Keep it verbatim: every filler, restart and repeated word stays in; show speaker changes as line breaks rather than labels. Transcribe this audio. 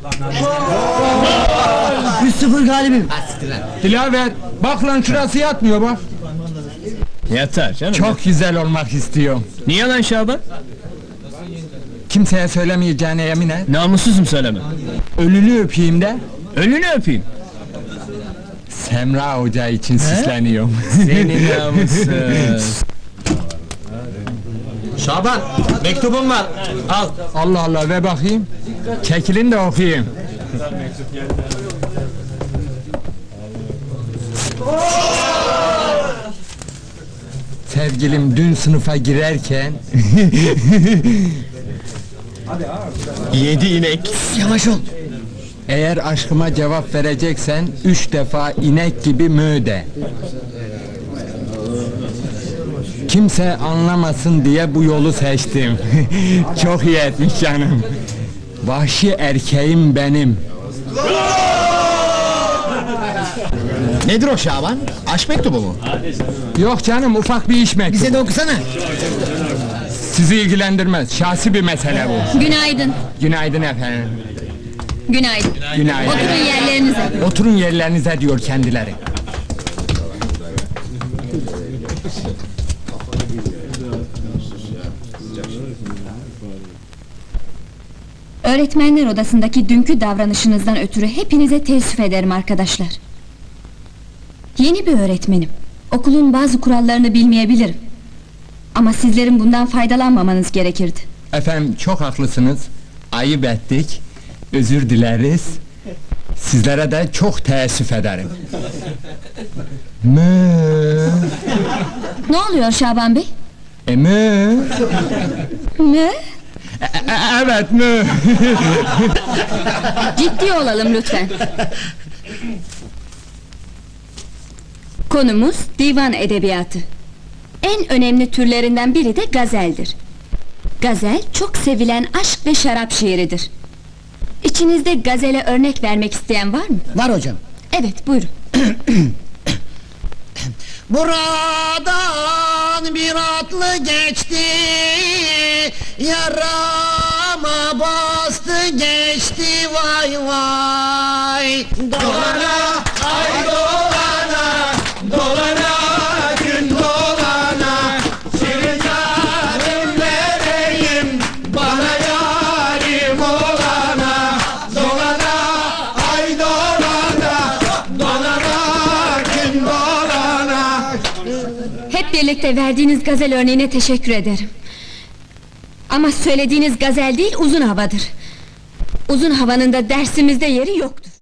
üç sıfır galibim.
Dilaver, bak lan şurası yatmıyor bak.
Yeter canım.
Çok güzel olmak istiyorum.
Niye lan Şaban?
Kimseye söylemeyeceğine yemin et.
Namussuzum söyleme.
Ölünü öpeyim de.
Ölünü öpeyim.
Semra Hoca için süsleniyorum.
Senin namussuz.
Şaban, mektubum var. Al.
Allah Allah, ver bakayım. Çekilin de okuyayım. Sevgilim, dün sınıfa girerken
Yedi inek.
Yavaş ol.
eğer aşkıma cevap vereceksen üç defa inek gibi mö de. Kimse anlamasın diye bu yolu seçtim. Çok iyi etmiş canım. Vahşi erkeğim benim.
Nedir o Şaban? Aşk mektubu mu?
Yok canım, ufak bir iş mektubu.
Bize de okusana.
Sizi ilgilendirmez, şahsi bir mesele bu.
Günaydın.
Günaydın efendim.
Günaydın.
Günaydın.
Oturun yerlerinize.
Oturun yerlerinize diyor kendileri.
Öğretmenler odasındaki dünkü davranışınızdan ötürü hepinize teessüf ederim arkadaşlar. Yeni bir öğretmenim. Okulun bazı kurallarını bilmeyebilirim. Ama sizlerin bundan faydalanmamanız gerekirdi.
Efendim, çok haklısınız. Ayıp ettik. Özür dileriz. Sizlere de çok teessüf ederim. Mö.
Ne oluyor Şaban Bey?
E mö.
Ne?
E, e, evet mö.
Ciddi olalım lütfen. Konumuz divan edebiyatı. En önemli türlerinden biri de gazeldir. Gazel çok sevilen aşk ve şarap şiiridir. İçinizde gazele örnek vermek isteyen var mı?
Var hocam.
Evet, buyurun.
Buradan bir atlı geçti, yarama bastı geçti, vay vay. Dolana, ay dolana, dolana, gün dolana, senin canım vereyim, bana yarim olana. Dolana, ay dolana, dolana, gün dolana.
Hep birlikte verdiğiniz gazel örneğine teşekkür ederim. Ama söylediğiniz gazel değil, uzun havadır. Uzun havanın da dersimizde yeri yoktur.